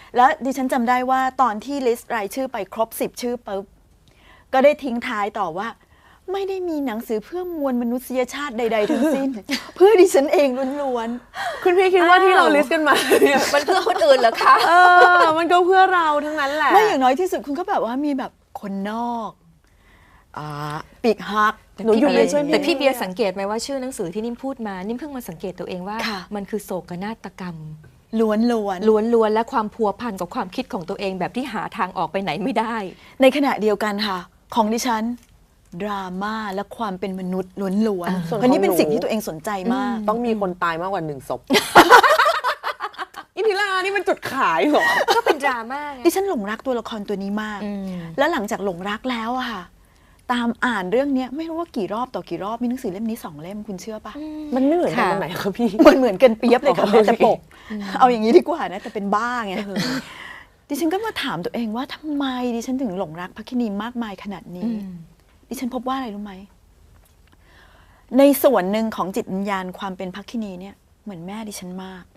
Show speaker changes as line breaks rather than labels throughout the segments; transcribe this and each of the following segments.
แล้วดิฉันจำได้ว่าตอนที่ลิสต์รายชื่อไปครบ10 ชื่อปุ๊บก็ได้ทิ้งท้ายต่อว่าไม่ได้มีหนังสือเพื่อมวลมนุษยชาติใดๆทั้งสิ้น เพื่อดิฉันเองล้วน
คุณพี่คิดว่าที่เราลิสต์กันมาเนี่ย
มันเพื่อคนอื่นเหรอคะ
มันก็เพื่อเราทั้งนั้นแหละ
ไม่อย่างน้อยที่สุดคุณก็แบบว่ามีแบบคนนอกปีกหัก
หนูอยู่ในช่วย
แต่พี่เบียร์สังเกตไหมว่าชื่อหนังสือที่นิ่มพูดมานิ่มเพิ่งมาสังเกตตัวเองว่ามันคือโศกนาฏกรรม
ล้วน
และความพัวพันกับความคิดของตัวเองแบบที่หาทางออกไปไหนไม่ได้
ในขณะเดียวกันค่ะของดิฉันดราม่าและความเป็นมนุษย์ล้วนๆเพราะนี่เป็นสิ่งที่ตัวเองสนใจมาก
ต้องมีคนตายมากกว่า1 ศพอินทิรานี่มันจุดขายเหรอ
ก็เป็นดราม่า
ดิฉันหลงรักตัวละครตัวนี้มากแล้วหลังจากหลงรักแล้วอะค่ะตามอ่านเรื่องนี้ไม่รู้ว่ากี่รอบต่อกี่รอบมีหนังสือเล่มนี้2 เล่มคุณเชื่อปะ
มันไม่เหมือนกันตรงไหนคะพี่
เหมือนกันเปียบเลยค่ะแต่ปกเอาอย่างนี้ดีกว่านะแต่เป็นบ้าไงดิฉันก็มาถามตัวเองว่าทำไมดิฉันถึงหลงรักพระคินีมากมายขนาดนี้ดิฉันพบว่าอะไรรู้ไหมในส่วนหนึ่งของจิตวิญญาณความเป็นพระคินีเนี่ยเหมือนแม่ดิฉันมาก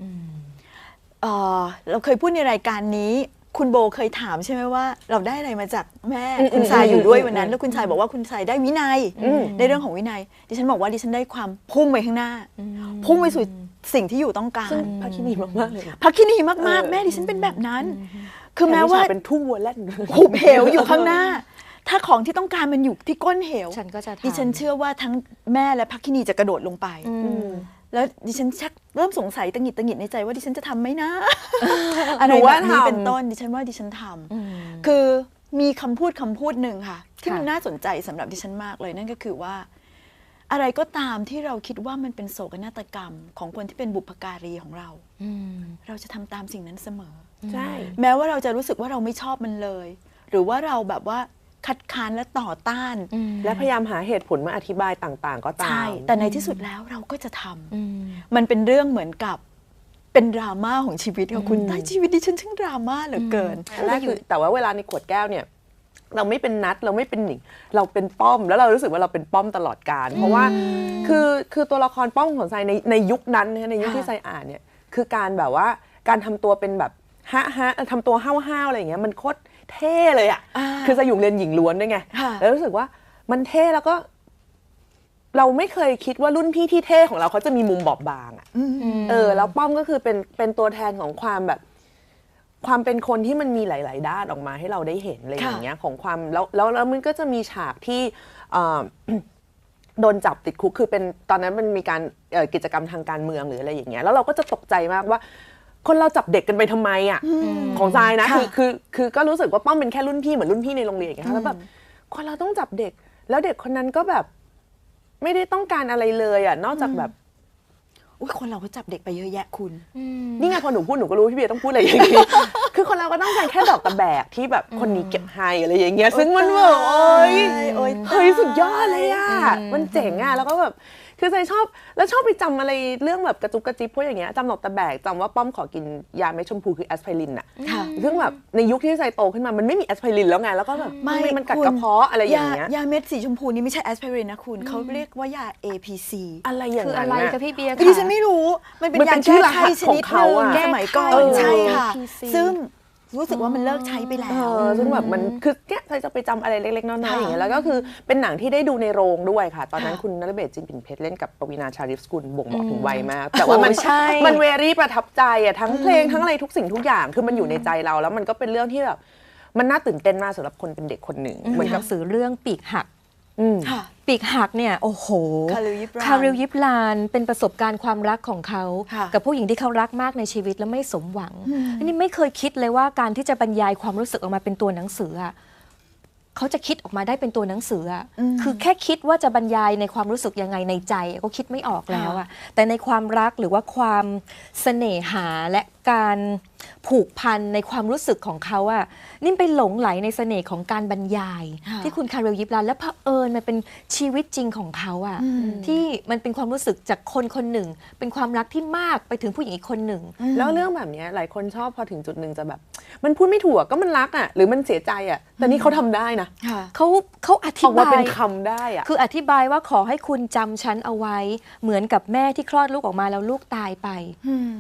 เราเคยพูดในรายการนี้คุณโบเคยถามใช่ไหมว่าเราได้อะไรมาจากแม่คุณชายอยู่ด้วยวันนั้นแล้วคุณชายบอกว่าคุณชายได้วินัยได้เรื่องของวินัยดิฉันบอกว่าดิฉันได้ความพุ่งไปข้างหน้าพุ่งไปสู่สิ่งที่อยู่ต้องการ
พระคินีมากๆเลย
พระคินีมากๆแม่ดิฉันเป็นแบบนั้นคือแม้ว่า
เป็นทุ่งวัวแล่น
หุบเหวอยู่ข้างหน้าถ้าของที่ต้องการมันอยู่ที่ก้นเหวดิฉันเชื่อว่าทั้งแม่และพระคินีจะกระโดดลงไปแล้วดิฉันชักเริ่มสงสัยตังหงิดในใจว่าดิฉันจะทำไหมนะอะไรแบบนี้เป็นต้นดิฉันว่าดิฉันทำคือมีคำพูดหนึ่งค่ะที่มันน่าสนใจสำหรับดิฉันมากเลยนั่นก็คือว่าอะไรก็ตามที่เราคิดว่ามันเป็นโศกนาฏกรรมของคนที่เป็นบุพการีของเราเราจะทำตามสิ่งนั้นเสมอ
ใช่
แม้ว่าเราจะรู้สึกว่าเราไม่ชอบมันเลยหรือว่าเราแบบว่าคัดค้านและต่อต้าน
และพยายามหาเหตุผลมาอธิบายต่างๆก็ตามใช่
แต่ในที่สุดแล้วเราก็จะทำมันเป็นเรื่องเหมือนกับเป็นดราม่าของชีวิตของคุณแต่ชีวิตดิฉันช่างดราม่าเหลือเกิน
แต่ว่าเวลาในขวดแก้วเนี่ยเราไม่เป็นนัดเราไม่เป็นหนิงเราเป็นป้อมแล้วเรารู้สึกว่าเราเป็นป้อมตลอดกาลเพราะว่าคือตัวละครป้อมของทรายในยุคนั้นในยุคที่ทรายอ่านเนี่ยคือการแบบว่าการทำตัวเป็นแบบฮะทำตัวห้าวๆอะไรอย่างเงี้ยมันโคตรเท่เลยอ่ะคือจะอยู่เรียนหญิงล้วนด้วยไงแล้วรู้สึกว่ามันเท่แล้วก็เราไม่เคยคิดว่ารุ่นพี่ที่เท่ของเราเขาจะมีมุมบอบบางอ่ะแล้วป้อมก็คือเป็นตัวแทนของความแบบความเป็นคนที่มันมีหลายๆด้านออกมาให้เราได้เห็นอะไรอย่างเงี้ยของความแล้วมันก็จะมีฉากที่โดนจับติดคุกคือเป็นตอนนั้นมันมีการกิจกรรมทางการเมืองหรืออะไรอย่างเงี้ยแล้วเราก็จะตกใจมากว่าคนเราจับเด็กกันไปทำไมอ่ะของทรายนะคือก็รู้สึกว่าป้อมเป็นแค่รุ่นพี่เหมือนรุ่นพี่ในโรงเรียนอย่างเงี้ยแล้วแบบคนเราต้องจับเด็กแล้วเด็กคนนั้นก็แบบไม่ได้ต้องการอะไรเลยอ่ะนอกจากแบบ
คนเราก็จับเด็กไปเยอะแยะคุณ
นี่ไงพอหนูพูดหนูก็รู้พี่เบียร์ต้องพูดอะไรอย่างงี้คือคนเราก็ต้องการแค่ดอกตะแบกที่แบบคนนี้เก็บให้อะไรอย่างเงี้ยซึ่งมันแบบเฮ้ยสุดยอดเลยอ่ะมันเจ๋งอ่ะแล้วก็แบบคือใจชอบแล้วชอบไปจำอะไรเรื่องแบบกระจุกกระจิบพวกอย่างเงี้ยจำดอกตะแบกจำว่าป้อมขอกินยาเม็ดชมพูคือแอสไพรินอ่ะซึ่งแบบในยุคที่ใจโตขึ้นมามันไม่มีแอสไพรินแล้วไงแล้วก็แบบมันกัดกระเพาะอะไรอย่างเงี้ย
ยาเม็ดสีชมพูนี่ไม่ใช่แอสไพรินนะคุณเขาเรียกว่ายา APC
อะไรอย่างนั้น
คืออะไรคะพี่เบียร์
ดิฉันไม่รู้มันเป็นยาแก้ไข้ชนิดนึงสมัยก่อนใช่ค่ะซึ่งรู้สึกว่ามันเลิกใช้ไปแล้ว
ซึ่งแบบมันคือเนี่ยใครจะไปจำอะไรเล็กๆน้อยๆอย่างเงี้ยแล้วก็คือเป็นหนังที่ได้ดูในโรงด้วยค่ะตอนนั้นคุณณฤเบศ จินปิ่นเพชรเล่นกับปวีณา ชาลิฟสกุลบ่งบอกถึงวัยมากแต่ว่ามันเวรี่ประทับใจอ่ะทั้งเพลงทั้งอะไรทุกสิ่งทุกอย่างคือมันอยู่ในใจเราแล้วมันก็เป็นเรื่องที่แบบมันน่าตื่นเต้นมากสำหรับคนเป็นเด็กคนหนึ่ง
เหมือนกับสื่อเรื่องปีกหักปีกหักเนี่ยโอ้โหคาริล ยิบลานเป็นประสบการณ์ความรักของเขากับผู้หญิงที่เขารักมากในชีวิตแล้วไม่สมหวังอันนี้ไม่เคยคิดเลยว่าการที่จะบรรยายความรู้สึกออกมาเป็นตัวหนังสือเขาจะคิดออกมาได้เป็นตัวหนังสือคือแค่คิดว่าจะบรรยายในความรู้สึกยังไงในใจก็คิดไม่ออกแล้วแต่ในความรักหรือว่าความเสน่หาและการผูกพันในความรู้สึกของเขานิ่มไปหลงไหลในเสน่ห์ของการบรรยายที่คุณคาริล ยิบลานและเผอิญมันเป็นชีวิตจริงของเขาที่มันเป็นความรู้สึกจากคนคนหนึ่งเป็นความรักที่มากไปถึงผู้หญิงอีกคนหนึ่ง
แล้วเรื่องแบบนี้หลายคนชอบพอถึงจุดหนึ่งจะแบบมันพูดไม่ถูกก็มันรักหรือมันเสียใจแต่นี่เขาทำได้นะ
เขาอธิบาย
เป็นคำได้
คืออธิบายว่าขอให้คุณจำฉันเอาไว้เหมือนกับแม่ที่คลอดลูกออกมาแล้วลูกตายไป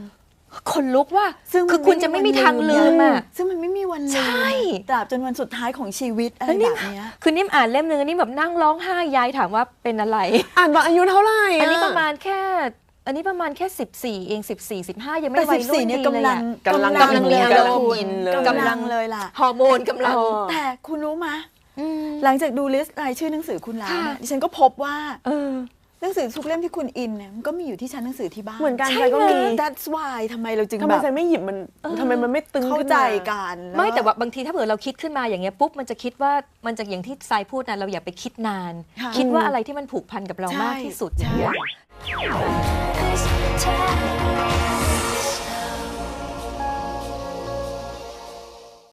คนลุกว่า
ซึ่ง
คือคุณจะไม่มีทางลืมอ่ะ
ซึ่งมันไม่มีวันลืม
ใช่
ตราบจนวันสุดท้ายของชีวิตอะไรแบบเนี้ย
คือนิ่มอ่านเล่มนึงอันนี้แบบนั่งร้องไห้ยายถามว่าเป็นอะไร
อ่านตอนอายุเท่าไหร่
อันนี้ประมาณแค่14เอง14 15ยังไม่
แต่
วัยรุ่น
14เนี่ย
ดี
กำ
เลย
ลั
อะ
ง
กำลัง
เลย
กำลัง
คุณ
อินเลย
กำลังเลยล่ะ
ฮอร์โมนกำลัง
แต่คุณรู้ไหม
อืม
หลังจากดูลิสต์รายชื่อหนังสือคุณแล้วเนี่ย
ค่ะ
ดิฉันก็พบว่า
เออ
หนังสือทุกเล่มที่คุณอินเนี่ยมันก็มีอยู่ที่ชั้นหนังสือที่บ้าน
เหมือนกัน
ใช่
ใจก็มี
That's why ทำไมเราจึง
ทำไม
แบบ
ใจไม่หยิบมันทำไมมันไม่ตึง
เข้า
ขึ้น
ใจ
มา
กัน
ไม่แต่ว่าบางทีถ้าเผื่อเราคิดขึ้นมาอย่างเงี้ยปุ๊บมันจะคิดว่ามันจะอย่างที่ทรายพูดนะเราอย่าไปคิดนาน
ค่ะ
คิดว่าอะไรที่มันผูกพันกับเรามากที่สุด
ใช่
อย่างเงี้ย
Cause